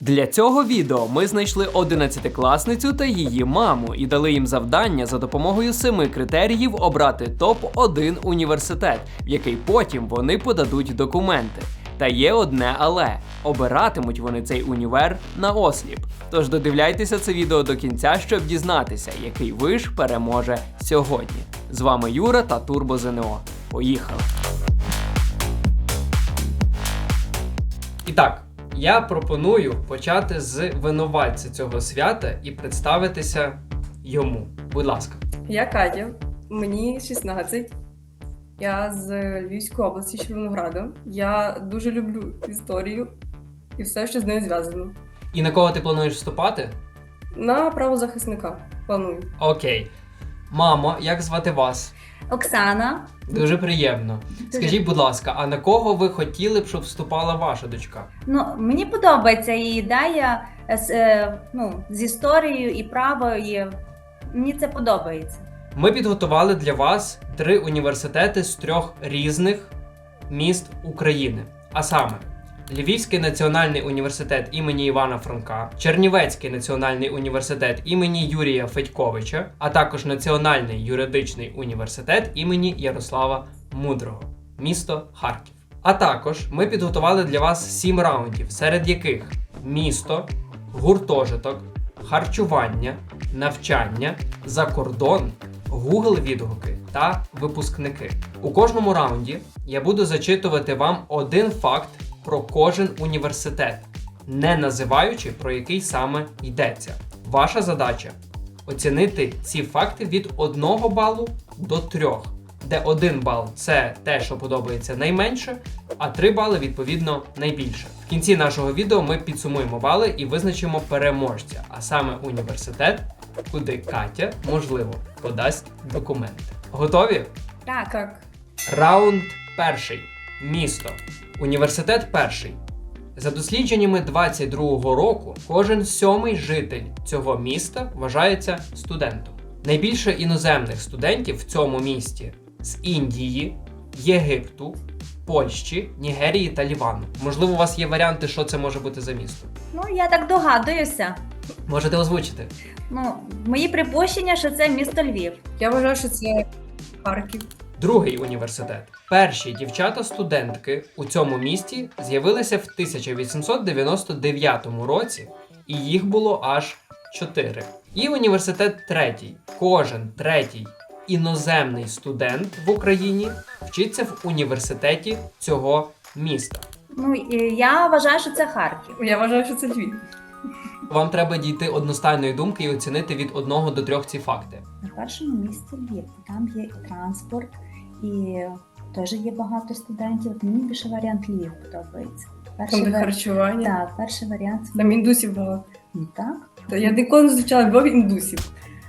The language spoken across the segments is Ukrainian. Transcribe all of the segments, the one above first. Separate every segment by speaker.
Speaker 1: Для цього відео ми знайшли 11-класницю та її маму і дали їм завдання за допомогою 7 критеріїв обрати топ-1 університет, в який потім вони подадуть документи. Та є одне але – обиратимуть вони цей універ на осліп. Тож додивляйтеся це відео до кінця, щоб дізнатися, який виш переможе сьогодні. З вами Юра та Турбо ЗНО. Поїхали! І так, я пропоную почати з винуватця цього свята і представитися йому. Будь ласка.
Speaker 2: Я Катя, мені 16. Я з Львівської області, Червонограда. Я дуже люблю історію і все, що з нею зв'язано.
Speaker 1: І на кого ти плануєш вступати?
Speaker 2: На правозахисника планую.
Speaker 1: Окей. Мамо, як звати вас?
Speaker 3: Оксана.
Speaker 1: Дуже приємно. Скажіть, будь ласка, а на кого ви хотіли б, щоб вступала ваша дочка?
Speaker 3: Мені подобається її ідея з історією і право, і мені це подобається.
Speaker 1: Ми підготували для вас 3 університети з 3 різних міст України. А саме, Львівський національний університет імені Івана Франка, Чернівецький національний університет імені Юрія Федьковича, а також Національний юридичний університет імені Ярослава Мудрого, місто Харків. А також ми підготували для вас 7 раундів, серед яких місто, гуртожиток, харчування, навчання, закордон, Google відгуки та випускники. У кожному раунді я буду зачитувати вам один факт про кожен університет, не називаючи, про який саме йдеться. Ваша задача – оцінити ці факти від 1 балу до 3, де 1 бал – це те, що подобається найменше, а 3 бали, відповідно, найбільше. В кінці нашого відео ми підсумуємо бали і визначимо переможця, а саме університет, куди Катя, можливо, подасть документи. Готові?
Speaker 2: Так.
Speaker 1: Раунд перший. Місто. Університет перший. За дослідженнями 22-го року, кожен 7-й житель цього міста вважається студентом. Найбільше іноземних студентів в цьому місті з Індії, Єгипту, Польщі, Нігерії та Лівану. Можливо, у вас є варіанти, що це може бути за місто?
Speaker 3: Я так догадуюся.
Speaker 1: Можете озвучити?
Speaker 3: Мої припущення, що це місто Львів.
Speaker 2: Я вважаю, що це Харків.
Speaker 1: Другий університет. Перші дівчата-студентки у цьому місті з'явилися в 1899 році, і їх було аж 4. І університет третій. Кожен третій іноземний студент в Україні вчиться в університеті цього міста.
Speaker 3: Я вважаю, що це Харків.
Speaker 2: Я вважаю, що це Львів.
Speaker 1: Вам треба дійти одностайної думки і оцінити від 1 до 3 ці факти.
Speaker 3: На першому місці Львів. Там є і транспорт, і теж є багато студентів. Мені більше варіант Львів подобається.
Speaker 2: Там де харчування.
Speaker 3: Так, перший варіант.
Speaker 2: Там індусів багато.
Speaker 3: Так.
Speaker 2: Я ніколи не зустрічала в Львові індусів.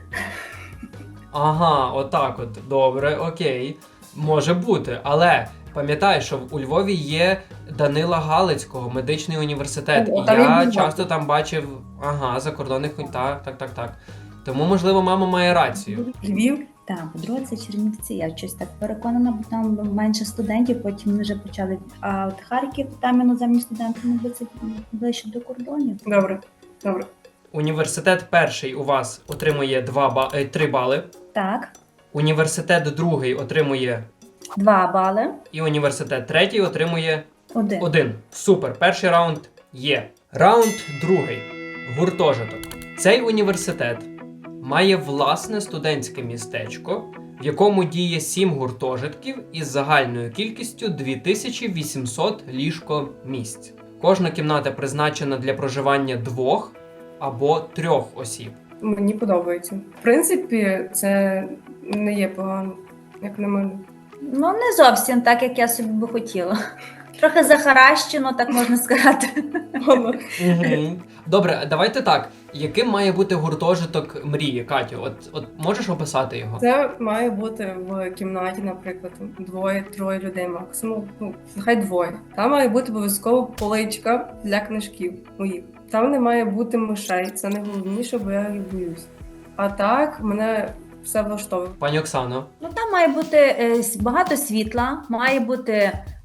Speaker 1: Ага, отак от. Добре, окей. Може бути, але пам'ятай, що у Львові є Данила Галицького, медичний університет.
Speaker 2: О,
Speaker 1: І
Speaker 2: там
Speaker 1: я
Speaker 2: він був.
Speaker 1: часто там бачив, закордонних, так. Тому, можливо, мама має рацію.
Speaker 2: Львів?
Speaker 3: Так, по-друге, це Чернівці. Я щось так переконана, бо там менше студентів, потім вони вже почали. А от Харків, там іноземні студенти, це ближче до кордонів.
Speaker 2: Добре.
Speaker 1: Університет перший у вас отримує 3 бали.
Speaker 3: Так,
Speaker 1: Університет другий отримує
Speaker 3: 2 бали.
Speaker 1: і університет третій отримує
Speaker 3: 1.
Speaker 1: 1. Супер, перший раунд є. Раунд другий. Гуртожиток. Цей університет має власне студентське містечко, в якому діє 7 гуртожитків із загальною кількістю 2800 ліжко-місць. Кожна кімната призначена для проживання 2 або 3 осіб.
Speaker 2: Мені подобається. В принципі, це не є погано, як на мене.
Speaker 3: Не зовсім так, як я собі би хотіла. Трохи захаращено, так можна сказати.
Speaker 1: Добре, давайте так. Яким має бути гуртожиток мрії, Катю? От можеш описати його?
Speaker 2: Це має бути в кімнаті, наприклад, 2-3 людей максимум. Нехай 2. Там має бути обов'язково поличка для книжків моїх. Там не має бути мишей, це найголовніше, бо я їх боюсь. А так, мене все влаштовує.
Speaker 1: Пані Оксано.
Speaker 3: Там має бути багато світла, має бути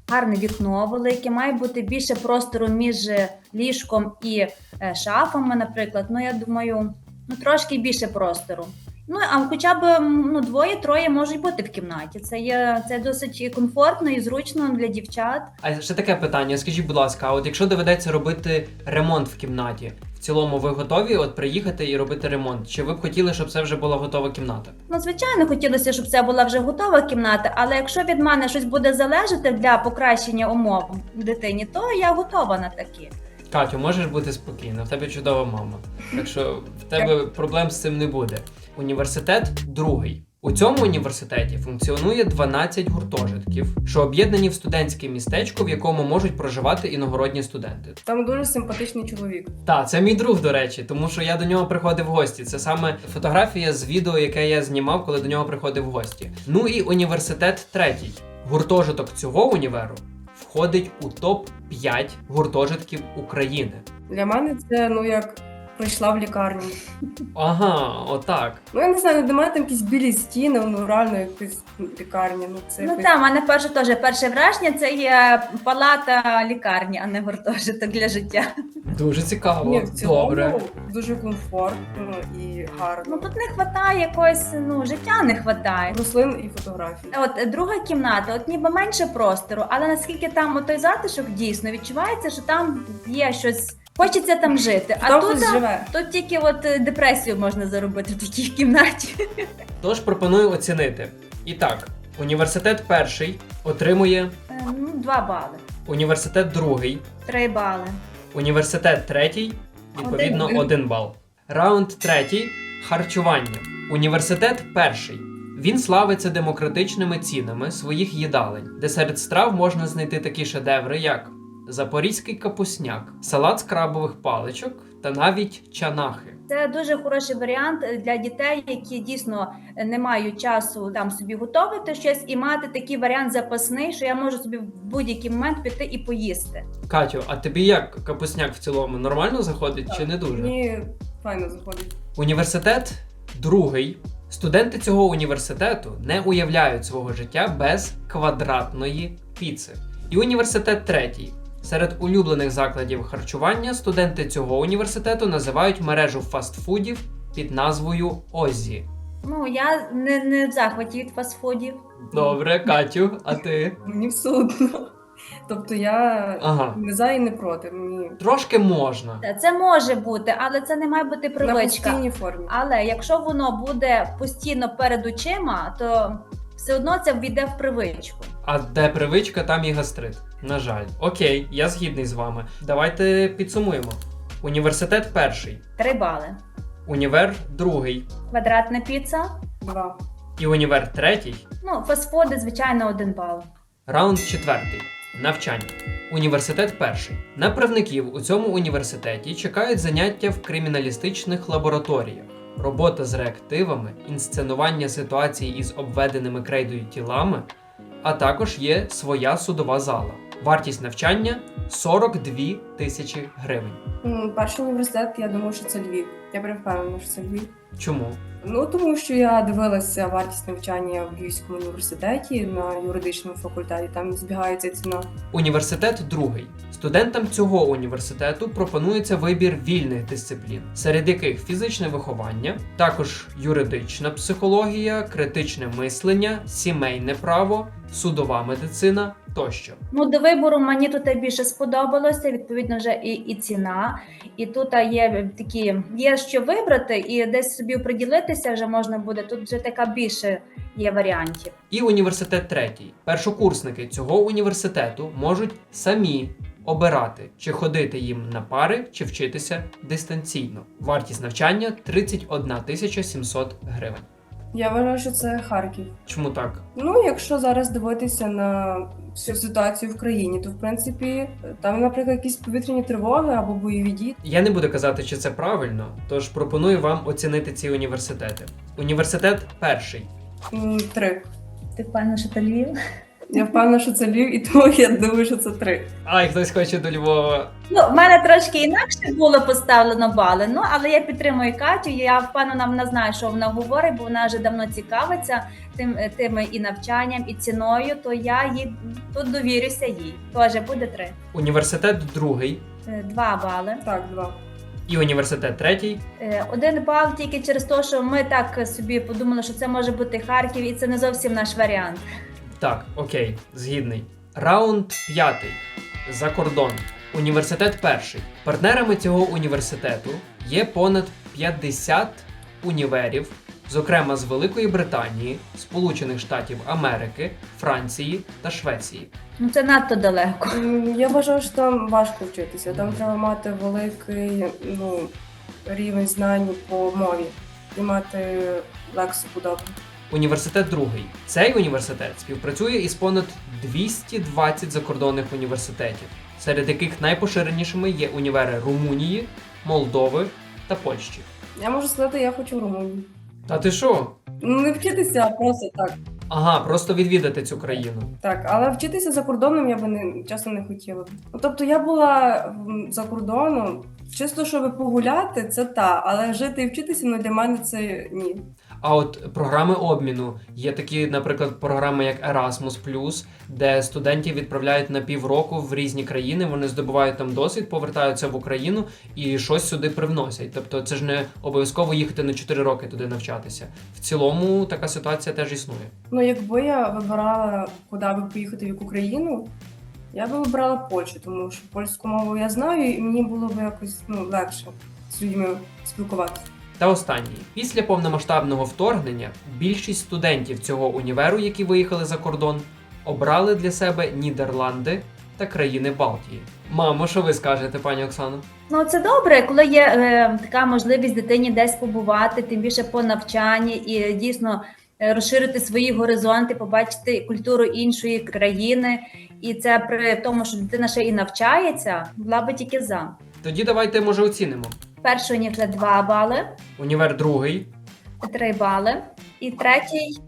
Speaker 3: гарне вікно велике, має бути більше простору між ліжком і шафами, наприклад. Ну, я думаю, трошки більше простору. Ну, а хоча б двоє-троє можуть бути в кімнаті. Це досить комфортно і зручно для дівчат.
Speaker 1: А ще таке питання, скажіть, будь ласка, а от якщо доведеться робити ремонт в кімнаті, в цілому ви готові от приїхати і робити ремонт? Чи ви б хотіли, щоб це вже була готова кімната?
Speaker 3: Ну, звичайно, хотілося, щоб це була вже готова кімната, але якщо від мене щось буде залежати для покращення умов дитині, то я готова на такі.
Speaker 1: Катю, можеш бути спокійна, в тебе чудова мама. Так що в тебе проблем з цим не буде. Університет другий. У цьому університеті функціонує 12 гуртожитків, що об'єднані в студентське містечко, в якому можуть проживати іногородні студенти.
Speaker 2: Там дуже симпатичний чоловік.
Speaker 1: Так, це мій друг, до речі, тому що я до нього приходив в гості. Це саме фотографія з відео, яке я знімав, коли до нього приходив в гості. Ну і університет третій. Гуртожиток цього універу входить у топ-5 гуртожитків України.
Speaker 2: Для мене це, як прийшла в лікарню.
Speaker 1: Ага, отак.
Speaker 2: Ну, я не знаю, для мене там якісь білі стіни, реально якась лікарня. Це
Speaker 3: Ну
Speaker 2: якось-
Speaker 3: так, в мене перше враження це є палата лікарні, а не гуртожиток для життя.
Speaker 1: Дуже цікаво.
Speaker 2: Ні, в цілому
Speaker 1: Добре.
Speaker 2: дуже комфортно і гарно.
Speaker 3: Ну тут не вистачає якогось, життя не вистачає.
Speaker 2: Рослин і фотографій.
Speaker 3: От друга кімната, от ніби менше простору, але наскільки там той затишок дійсно відчувається, що там є щось, хочеться там жити. А
Speaker 2: Там
Speaker 3: тут,
Speaker 2: хтось живе.
Speaker 3: тут тільки депресію можна заробити в такій кімнаті.
Speaker 1: Тож пропоную оцінити. І так, університет перший отримує,
Speaker 3: 2 бали,
Speaker 1: університет другий,
Speaker 3: 3 бали.
Speaker 1: університет третій, відповідно,
Speaker 2: 1.
Speaker 1: 1 бал. Раунд третій – харчування. Університет перший. Він славиться демократичними цінами своїх їдалень, де серед страв можна знайти такі шедеври, як запорізький капусняк, салат з крабових паличок та навіть чанахи.
Speaker 3: Це дуже хороший варіант для дітей, які дійсно не мають часу там собі готувати щось і мати такий варіант запасний, що я можу собі в будь-який момент піти і поїсти.
Speaker 1: Катю, а тобі як капусняк в цілому нормально заходить чи не дуже?
Speaker 2: Мені файно заходить.
Speaker 1: Університет другий. Студенти цього університету не уявляють свого життя без квадратної піци. І університет третій. Серед улюблених закладів харчування студенти цього університету називають мережу фастфудів під назвою Оззі.
Speaker 3: Ну, я не в захваті від фастфудів.
Speaker 1: Добре, Катю, а ти?
Speaker 2: Мені все одно. Тобто я
Speaker 1: Ага.
Speaker 2: не за і не проти. Мені
Speaker 1: Трошки можна.
Speaker 3: Це може бути, але це не має бути
Speaker 2: на
Speaker 3: привичка.
Speaker 2: постійній формі.
Speaker 3: Але якщо воно буде постійно перед очима, то все одно це ввійде в привичку.
Speaker 1: А де привичка, там і гастрит. На жаль. Окей, я згідний з вами. Давайте підсумуємо. Університет перший,
Speaker 3: 3 бали.
Speaker 1: універ другий
Speaker 3: Квадратна піца.
Speaker 2: 2.
Speaker 1: і універ третій.
Speaker 3: Ну, фастфуди, звичайно, 1 бал.
Speaker 1: Раунд четвертий. Навчання. Університет перший. На правників у цьому університеті чекають заняття в криміналістичних лабораторіях, робота з реактивами, інсценування ситуацій із обведеними крейдою тілами, а також є своя судова зала. Вартість навчання 42 тисячі гривень.
Speaker 2: Перший університет, я думаю, що це Львів. Я прям впевнена, що це Львів.
Speaker 1: Чому?
Speaker 2: Тому що я дивилася вартість навчання в Львівському університеті на юридичному факультеті, там збігається ціна.
Speaker 1: Університет другий. Студентам цього університету пропонується вибір вільних дисциплін, серед яких фізичне виховання, також юридична психологія, критичне мислення, сімейне право, судова медицина тощо.
Speaker 3: Ну, до вибору мені тут більше сподобалося, відповідно, вже і ціна. І тут є що вибрати, і десь собі оприділитися вже можна буде. Тут вже така більше є варіантів.
Speaker 1: І університет третій. Першокурсники цього університету можуть самі обирати, чи ходити їм на пари, чи вчитися дистанційно. Вартість навчання 31 700 гривень.
Speaker 2: Я вважаю, що це Харків.
Speaker 1: Чому так?
Speaker 2: Якщо зараз дивитися на всю ситуацію в країні, то в принципі там, наприклад, якісь повітряні тривоги або бойові дії.
Speaker 1: Я не буду казати, чи це правильно, тож пропоную вам оцінити ці університети. Університет перший.
Speaker 2: 3.
Speaker 3: Ти впевнена, що це Львів?
Speaker 2: Я впевнена, що це Львів, і тому я думаю, що це 3.
Speaker 1: Ай, хтось хоче до Львова.
Speaker 3: Ну, в мене трошки інакше було поставлено бали, ну але я підтримую Катю. Я впевнена, вона знає, що вона говорить, бо вона вже давно цікавиться тим і навчанням, і ціною. То я їй тут довірюся їй. Теж буде 3.
Speaker 1: Університет другий
Speaker 3: 2 бали.
Speaker 2: Так, 2.
Speaker 1: і університет третій.
Speaker 3: 1 бал тільки через те, що ми так собі подумали, що це може бути Харків, і це не зовсім наш варіант.
Speaker 1: Так, окей, згідний. Раунд п'ятий. За кордон. Університет перший. Партнерами цього університету є понад 50 універів, зокрема з Великої Британії, Сполучених Штатів Америки, Франції та Швеції.
Speaker 3: Ну це надто далеко.
Speaker 2: Я вважаю, що там важко вчитися. Там треба мати великий рівень знань по мові і мати лексику добру.
Speaker 1: Університет другий. Цей університет співпрацює із понад 220 закордонних університетів, серед яких найпоширенішими є універи Румунії, Молдови та Польщі.
Speaker 2: Я можу сказати, я хочу в Румунію.
Speaker 1: Та ти що?
Speaker 2: Ну, не вчитися, а просто так.
Speaker 1: Ага, просто відвідати цю країну.
Speaker 2: Так, але вчитися за кордоном я би чесно не хотіла. Ну, тобто я була за кордоном, чисто щоб погуляти, це але жити і вчитися, для мене це ні.
Speaker 1: А от програми обміну є такі, наприклад, програми як Erasmus+, де студентів відправляють на півроку в різні країни, вони здобувають там досвід, повертаються в Україну і щось сюди привносять. Тобто це ж не обов'язково їхати на 4 роки туди навчатися. В цілому така ситуація теж існує.
Speaker 2: Ну, якби я вибирала, куди би поїхати, в яку країну, я би вибрала Польщу, тому що польську мову я знаю, і мені було б якось легше з людьми спілкуватися.
Speaker 1: Та останній. Після повномасштабного вторгнення більшість студентів цього універу, які виїхали за кордон, обрали для себе Нідерланди та країни Балтії. Мамо, що ви скажете, пані Оксано?
Speaker 3: Ну це добре, коли є така можливість дитині десь побувати, тим більше по навчанні і дійсно розширити свої горизонти, побачити культуру іншої країни. І це при тому, що дитина ще і навчається, була би тільки за.
Speaker 1: Тоді давайте, може, оцінимо.
Speaker 3: Перший університет 2 бали,
Speaker 1: Універ другий.
Speaker 3: 3 бали і третій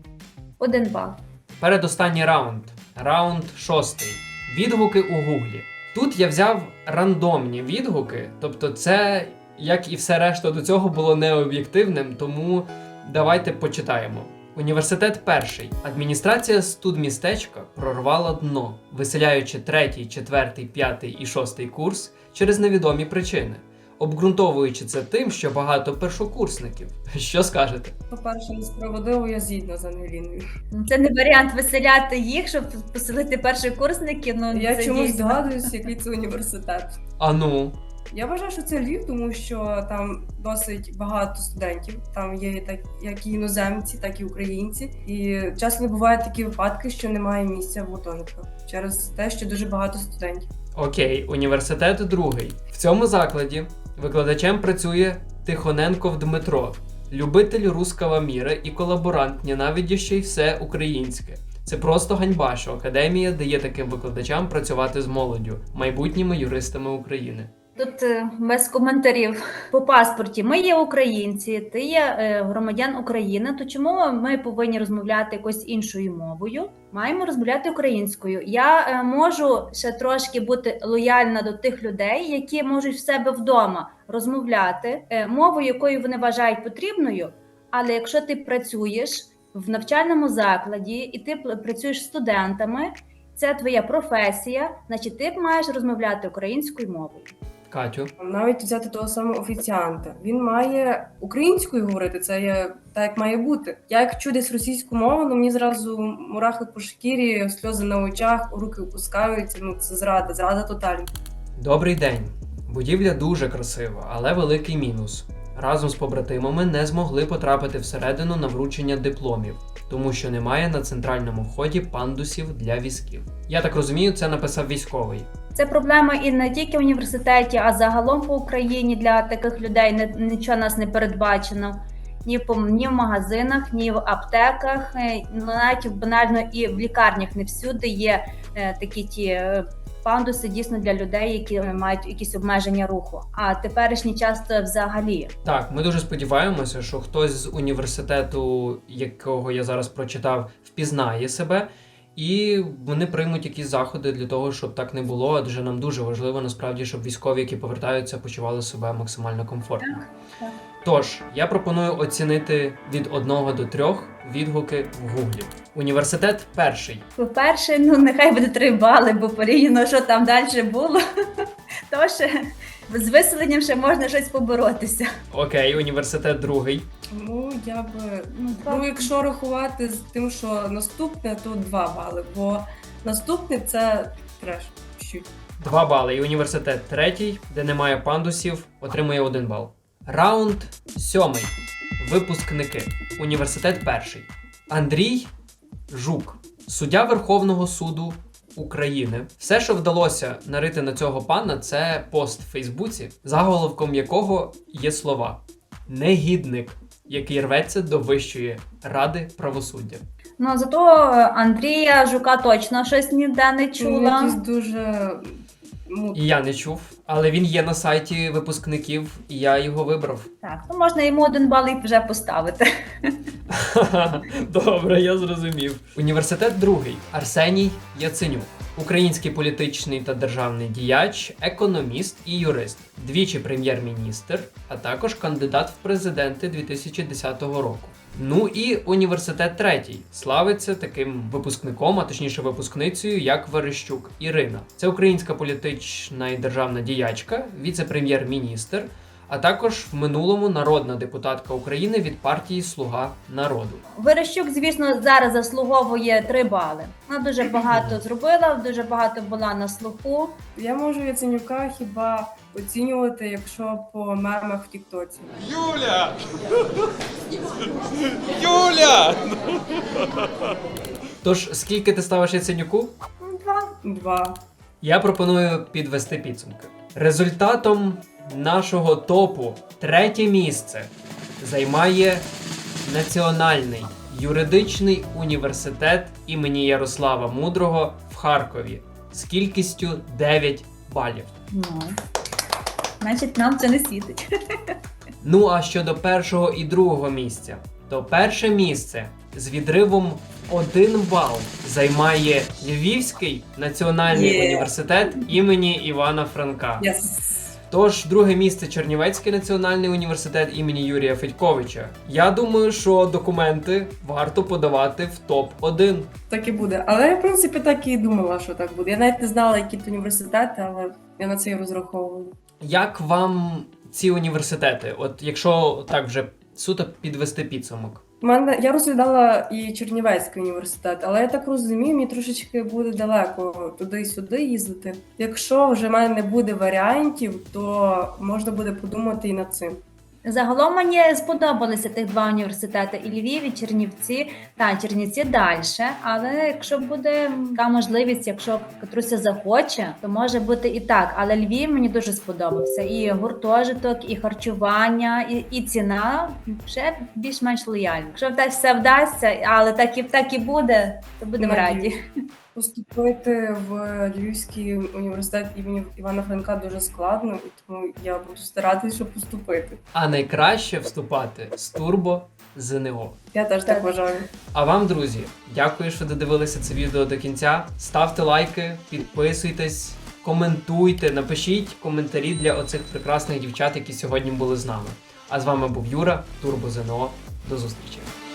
Speaker 3: 1 бал.
Speaker 1: Передостанній раунд. Раунд 6. Відгуки у Гуглі. Тут я взяв рандомні відгуки, тобто це, як і все решта до цього, було необ'єктивним, тому давайте почитаємо. Університет перший. Адміністрація студмістечка прорвала дно, виселяючи 3, 4, 5 і 6 курс через невідомі причини, обґрунтовуючи це тим, що багато першокурсників. Що скажете?
Speaker 2: По-перше, несправедливо, я згідна з Ангеліною.
Speaker 3: Це не варіант виселяти їх, щоб поселити першокурсників. Ну,
Speaker 2: Я
Speaker 3: це
Speaker 2: чомусь
Speaker 3: дійсно.
Speaker 2: здогадуюсь, який це університет.
Speaker 1: А ну?
Speaker 2: Я вважаю, що це Львів, тому що там досить багато студентів. Там є як і іноземці, так і українці. І часто бувають такі випадки, що немає місця в гуртожитках через те, що дуже багато студентів.
Speaker 1: Окей, університет другий. В цьому закладі викладачем працює Тихоненков Дмитро, любитель руского міра і колаборант, ненавидящий все українське. Це просто ганьба, що академія дає таким викладачам працювати з молоддю, майбутніми юристами України.
Speaker 3: Тут без коментарів. По паспорті ми є українці, ти є громадян України, то чому ми повинні розмовляти якось іншою мовою? Маємо розмовляти українською. Я можу ще трошки бути лояльна до тих людей, які можуть в себе вдома розмовляти мовою, якою вони вважають потрібною, але якщо ти працюєш в навчальному закладі і ти працюєш з студентами, це твоя професія, значить ти маєш розмовляти українською мовою.
Speaker 1: Катю?
Speaker 2: Навіть взяти того самого офіціанта. Він має українською говорити, це є так, як має бути. Я як чую десь російську мову, мені зразу мурахи по шкірі, сльози на очах, руки опускаються, це зрада тотальна.
Speaker 1: Добрий день. Будівля дуже красива, але великий мінус. Разом з побратимами не змогли потрапити всередину на вручення дипломів, тому що немає на центральному вході пандусів для візків. Я так розумію, це написав військовий.
Speaker 3: Це проблема і не тільки в університеті, а загалом по Україні для таких людей нічого нас не передбачено. Ні в магазинах, ні в аптеках, навіть банально і в лікарнях не всюди є такі ті пандуси дійсно для людей, які мають якісь обмеження руху. А теперішній час взагалі.
Speaker 1: Так, ми дуже сподіваємося, що хтось з університету, якого я зараз прочитав, впізнає себе і вони приймуть якісь заходи для того, щоб так не було, адже нам дуже важливо насправді, щоб військові, які повертаються, почували себе максимально комфортно.
Speaker 3: Так.
Speaker 1: Тож, я пропоную оцінити від 1 до 3 відгуки в Гуглі. Університет перший.
Speaker 3: По-перше, ну нехай буде 3 бали, бо порівняно, що там далі було, то ще з виселенням ще можна щось поборотися.
Speaker 1: Окей, університет другий.
Speaker 2: Ну, я би.
Speaker 3: два.
Speaker 2: Ну, якщо рахувати з тим, що наступне, то 2 бали, бо наступне це треш. Щуть.
Speaker 1: 2 бали. І університет третій, де немає пандусів, отримує 1 бал. Раунд 7. Випускники. Університет перший. Андрій Жук, суддя Верховного суду України. Все, що вдалося нарити на цього пана, це пост в Фейсбуці, заголовком якого є слова «Негідник, який рветься до Вищої ради правосуддя».
Speaker 3: Ну, зато Андрія Жука точно щось ніде не
Speaker 2: Ну,
Speaker 3: чула.
Speaker 2: якийсь дуже. Ну,
Speaker 1: І я не чув, але він є на сайті випускників, і я його вибрав.
Speaker 3: Так, ну можна йому 1 бал і вже поставити.
Speaker 1: Добре, я зрозумів. Університет другий. Арсеній Яценюк. Український політичний та державний діяч, економіст і юрист. Двічі прем'єр-міністр, а також кандидат в президенти 2010 року. Ну і університет третій. Славиться таким випускником, а точніше випускницею, як Верещук Ірина. Це українська політична і державна діячка, віце-прем'єр-міністр, а також в минулому народна депутатка України від партії «Слуга народу».
Speaker 3: Верещук, звісно, зараз заслуговує 3 бали. Вона дуже багато зробила, дуже багато була на слуху.
Speaker 2: я можу Яценюка хіба оцінювати, якщо по мемах в Тіктоці.
Speaker 4: Юля! Юля!
Speaker 1: Тож, скільки ти ставиш Яценюку?
Speaker 2: 2.
Speaker 1: Я пропоную підвести підсумки. Результатом нашого топу 3 місце займає Національний юридичний університет імені Ярослава Мудрого в Харкові з кількістю 9 балів.
Speaker 3: Ну, значить, нам це не світить.
Speaker 1: Ну а щодо першого і другого місця, то перше місце з відривом 1 бал займає Львівський національний університет імені Івана Франка.
Speaker 2: Yes.
Speaker 1: Тож, друге місце Чернівецький національний університет імені Юрія Федьковича. Я думаю, що документи варто подавати в топ-1.
Speaker 2: Так і буде. Але я, в принципі, так і думала, що так буде. Я навіть не знала, які то університети, але я на це і розраховувала.
Speaker 1: Як вам ці університети? От якщо так вже суто підвести підсумок.
Speaker 2: Я розглядала і Чернівецький університет, але я так розумію, мені трошечки буде далеко туди-сюди їздити. Якщо вже в мене не буде варіантів, то можна буде подумати і над цим.
Speaker 3: Загалом мені сподобалися тих 2 університети, і Львів, і Чернівці. Та Чернівці далі, але якщо буде така можливість, якщо Катруся захоче, то може бути і так. Але Львів мені дуже сподобався. І гуртожиток, і харчування, і ціна ще більш-менш лояльна. Якщо все вдасться, але так і буде, то будемо раді.
Speaker 2: Поступити в Львівський університет імені Івана Франка дуже складно, і тому я буду старатися, щоб поступити.
Speaker 1: А найкраще вступати з турбо ЗНО.
Speaker 2: Я теж так вважаю.
Speaker 1: А вам, друзі, дякую, що додивилися це відео до кінця. Ставте лайки, підписуйтесь, коментуйте, напишіть коментарі для оцих прекрасних дівчат, які сьогодні були з нами. А з вами був Юра, Турбо ЗНО. До зустрічі!